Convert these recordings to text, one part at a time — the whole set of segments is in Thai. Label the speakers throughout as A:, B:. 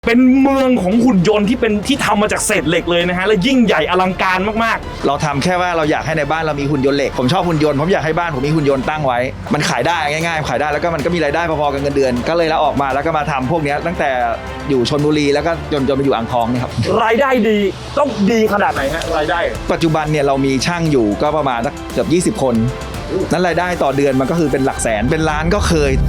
A: เป็นเมืองของหุ่นยนต์ที่เป็นที่ทำมาจากเศษเหล็กเลยนะฮะและยิ่งใหญ่อลังการมาก
B: เราทำแค่ว่าเราอยากให้ในบ้านเรามีหุ่นยนต์เหล็กผมชอบหุ่นยนต์ผมอยากให้บ้านผมมีหุ่นยนต์ตั้งไว้มันขายได้ง่ายๆขายได้แล้วก็มันก็มีรายได้พอๆกับเงินเดือนก็เลยลาออกมาแล้วก็มาทำพวกนี้ตั้งแต่อยู่ชลบุรีแล้วก็จนมาอยู่อ่างทองนี่ครับ
A: ๆรายได้ดีต้องดีขนาดไหนฮะรายได้
B: ปัจจุบันเนี่ยเรามีช่างอยู่ก็ประมาณสักเกือบ20 คนนั้นรายได้ต่อเดือนมันก็คือเป็นหลักแสนเป็นล้านก็เคย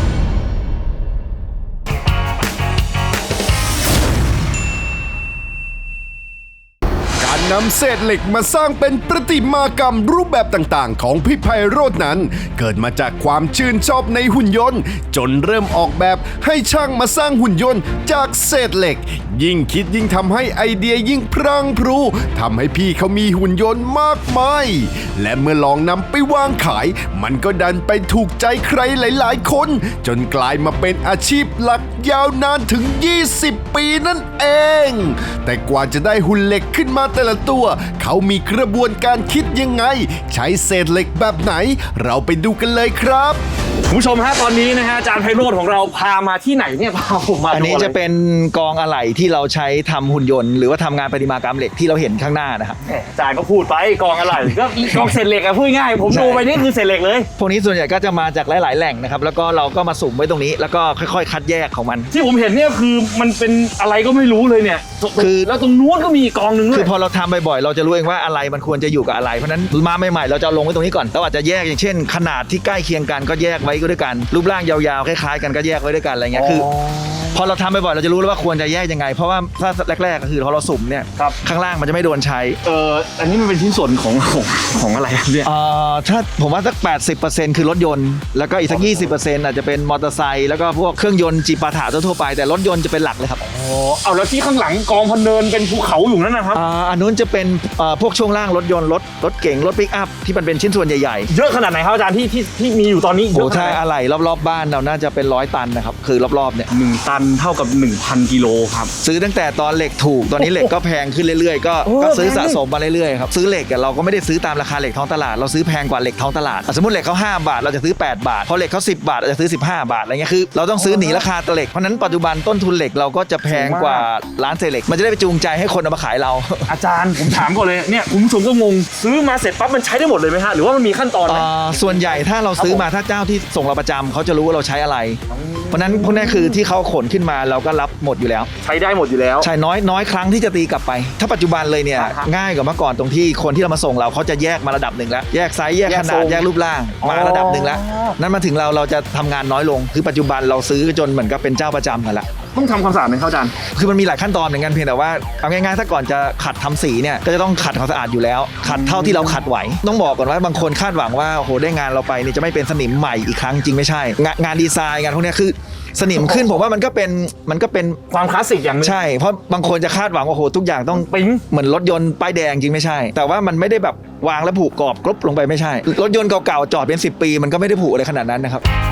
C: นำเศษเหล็กมาสร้างเป็นประติมากรรมรูปแบบต่างๆของพี่ไพโรจน์นั้นเกิดมาจากความชื่นชอบในหุ่นยนต์จนเริ่มออกแบบให้ช่างมาสร้างหุ่นยนต์จากเศษเหล็กยิ่งคิดยิ่งทำให้ไอเดียยิ่งพรั่งพรูทำให้พี่เขามีหุ่นยนต์มากมายและเมื่อลองนำไปวางขายมันก็ดันไปถูกใจใครหลายๆคนจนกลายมาเป็นอาชีพหลักยาวนานถึง20 ปีนั่นเองแต่กว่าจะได้หุ่นเหล็กขึ้นมาแต่ละตัวเขามีกระบวนการคิดยังไงใช้เศษเหล็กแบบไหนเราไปดูกันเลยครับ
A: คุณผู้ชมฮะตอนนี้นะฮะอาจารย์ไพโรจน์ของเราพามาที่ไหนเนี่ยพาผมมาดู
B: อันนี้จะเป็นกองอะไหล่ที่เราใช้ทำหุ่นยนต์หรือว่าทำงานประติมากรรมเหล็กที่เราเห็นข้างหน้านะครับ
A: อาจารย์ก็พูดไปกองอะไรก็กองเศษเหล็กอะพูดง่ายผมดูไปนี่คือเศษเหล็กเลย
B: พวกนี้ส่วนใหญ่ก็จะมาจากหลายๆแหล่งนะครับแล้วก็เราก็มาสุ่มไว้ตรงนี้แล้วก็ค่อยๆคัดแยกของมัน
A: ที่ผมเห็นเนี่ยคือมันเป็นอะไรก็ไม่รู้เลยเนี่ยคือแล้วตรงนู้นก็มีกองนึงด้วย
B: คือพอเราทำบ่อยๆเราจะรู้เองว่าอะไรมันควรจะอยู่กับอะไรเพราะนั้นมาใหม่ๆเราจะลงไว้ตรงนี้ก่อนเราอาจจะแยกอย่างเช่นขนาดที่ใกล้เคียงกันก็แยกไว้ก็ด้วยกันรูปร่างยาวๆคล้ายๆกันก็แยกไว้ด้วยกันอะไรเงี้ยคือพอเราทำบ่อยๆเราจะรู้แล้วว่าควรจะแยกยังไงเพราะว่าถ้าแรกๆก็คือพอเราสุ่มเนี่ยข้างล่างมันจะไม่โดนใช้
A: อันนี้มันเป็นชิ้นส่วนของอะไรเนี่ย
B: ถ้าผมว่าสัก 80% คือรถยนต์แล้วก็อีกสัก 20% อาจจะเป็นมอเตอร์ไซค์แล้วก็พวกเครื่องยนต์จีปาถะทั่วไปแต่รถยนต์จะเป็นหลักเลยครับ
A: เอาแล้วที่ข้างหลังกองพันเนินเป็นภูเขาอยู่นั่นนะครับ
B: อันนู้นจะเป็นพวกช่วงล่างรถยนต์รถเก๋งรถปิกอัพที่มันเป็นชิ้นส่วนใหญ่
A: ๆเยอะขนาดไหนครับอาจารย์ที่มีอยู่ตอนนี้
B: โอ้ใช่อะไหล่รอบๆบ้านเราน่าจะเป็น100 ตันนะครับคือรอบๆเนี่ย
A: 1 ตันเท่ากับ 1,000 กิโลครับ
B: ซื้อตั้งแต่ตอนเหล็กถูกตอนนี้เหล็กก็แพงขึ้นเรื่อยๆก็ซื้อสะสมมาเรื่อยๆครับซื้อเหล็กเราก็ไม่ได้ซื้อตามราคาเหล็กท้องตลาดเราซื้อแพงกว่าเหล็กท้องตลาดสมมติเหล็กเขา5 บาทเราจะซื้อ8 บาทพอเหล็กเขา10 บาทเราจะซื้อ15 บาทอะไรเงี้ยคือเราต้องซื้อหนีราคาเหล็กเพราะนั้นปัจจุบันต้นทุนเหล็กเราก็จะแพงกว่าร้านเศษเหล็กมันจะได้ไปจูงใจให้คนเอามาขายเรา
A: อาจารย์ผมถามก่อนเลยเนี่ยคุณผู้ชมก็งงซื้อมาเสร็จปั๊บมันใช้ได้หมดเลยไหมฮะหรือว่ามันมีขั้นตอนไหม
B: ส่วนใหญ่ถ้าเราซื้อมาถ้าเจ้าที่ส่งเราประจำเขาจะรู้ว่าเราใช้อะไรเพราะนั้นพวกนี้คือที่เขาขนขึ้นมาเราก็รับหมดอยู่แล้ว
A: ใช้ได้หมดอยู่แล้ว
B: ใช่น้อยครั้งที่จะตีกลับไปถ้าปัจจุบันเลยเนี่ยง่ายกว่าเมื่อก่อนตรงที่คนที่เรามาส่งเราเขาจะแยกมาระดับหนึ่งแล้วแยกไซส์แยกขนาดแยกรูปร่างมาระดับหนึ่งแล้วนั้นมาถึงเราจะทำงานน้อยลงคือปัจจุบันเราซื้อจนเหมือนกับเป็นเจ้าประจำกันละ
A: ต้องทำความสะอาดไหมครับอาจารย์
B: คือมันมีหลายขั้นตอนเหมือนกันเพียงแต่ว่าเอาง่ายๆถ้าก่อนจะขัดทำสีเนี่ยก็จะต้องขัดความสะอาดอยู่แล้วขัดเท่าที่เราขัดไหวต้องบอกก่อนว่าบางคนคาดหวังว่าโหได้งานเราไปนี่จะไม่เป็นสนิมใหม่อีกครั้งจริงไม่ใช่งานดีไซน์งานพวกนี้คือสนิมขึ้นผมว่ามันก็เป็น
A: ความคลาสสิกอย่างนึง
B: ใช่เพราะบางคนจะคาดหวังว่าโหทุกอย่างต้อง
A: ปิ๊ง
B: เหมือนรถยนต์ป้ายแดงจริงไม่ใช่แต่ว่ามันไม่ได้แบบวางแล้วผุกรอบกรบลงไปไม่ใช่รถยนต์เก่าๆจอดเป็น10 ปีมันก็ไม่ได้ผุอะไรขนาดนั้นนะครับ